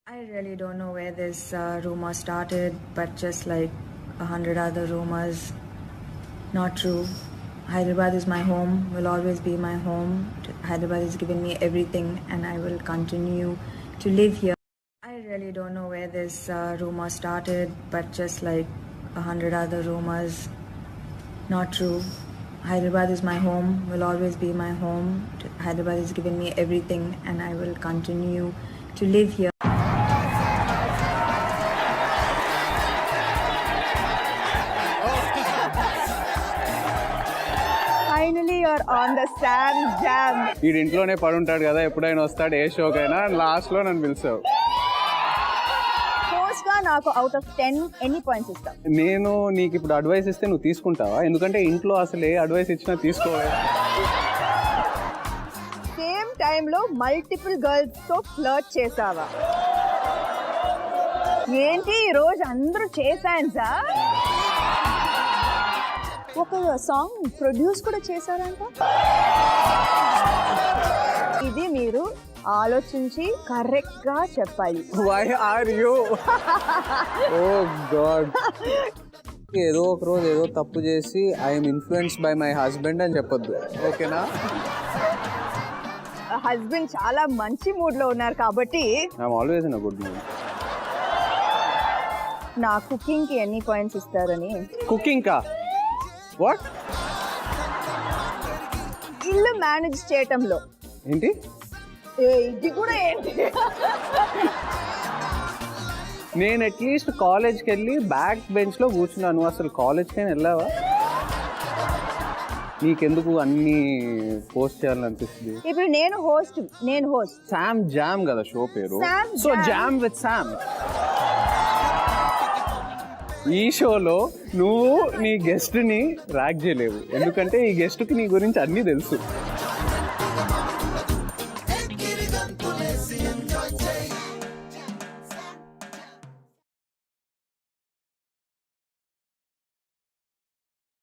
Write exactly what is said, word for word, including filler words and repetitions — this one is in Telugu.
I really don't know where this uh, rumor started, but just like a hundred other rumors, not true. Hyderabad is my home, will always be my home. Hyderabad has given me everything, and I will continue to live here. I really don't know where this uh, rumor started, but just like a hundred other rumors, not true. Hyderabad is my home, will always be my home. Hyderabad has given me everything, and I will continue to live here. Finally, you're on the Sam Jam. వీడి ఇంట్లోనే పడి ఉంటాడు కదా, ఎప్పుడైనా వస్తాడు ఏ షోకైనా, లాస్ట్ లో నన్ను పిలిచావు. Host గా నాకు అవుట్ ఆఫ్ టెన్ ఎన్ని పాయింట్స్ ఇస్తావు? నేను నీకు ఇప్పుడు అడ్వైస్ ఇస్తే నువ్వు తీసుకుంటావా? ఎందుకంటే ఇంట్లో అసలు ఏ అడ్వైస్ ఇచ్చినా తీసుకోవాలి. సేమ్ టైంలో మల్టిపుల్ గర్ల్స్ తో ఫ్లర్ట్ చేసావా? ఏంటి ఈ రోజు అందరూ చేశాన్సా? ఒక సాంగ్ ప్రొడ్యూస్ కూడా చేశారంట. ఇది మీరు ఆలోచించి కరెక్ట్ గా చెప్పాలి. Why are you? Oh god. ఏదో ఒక రోజు ఏదో తప్పు చేసి I'm influenced by my husband అని చెప్పొద్దు, ఓకేనా? హస్బెండ్ చాలా మంచి మూడ్ లో ఉన్నారు కాబట్టి I'm always in a good mood. నా కుకింగ్ కి ఎన్ని పాయింట్స్ ఇస్తారని? కుకింగ్ కా? వాట్? ఇల్లు మేనేజ్ చేయటంలో. ఏంటి? ఏ, ఇది కూడా ఏంటి? నేను అట్లీస్ట్ కాలేజ్కి వెళ్ళి బ్యాక్ బెంచ్ లో కూర్చున్నాను. అసలు కాలేజ్కి అయినా వెళ్ళావా? నీకెందుకు అన్ని పోస్ట్ చేయాలనిపిస్తుంది? ఇప్పుడు నేను హోస్ట్ నేను హోస్ట్ శామ్ జామ్ కదా షో పేరు. Sam so Jam. Jam with Sam. ఈ షోలో నువ్వు నీ గెస్ట్ ని ర్యాక్ చేయలేవు, ఎందుకంటే ఈ గెస్ట్ కి నీ గురించి అన్ని తెలుసు.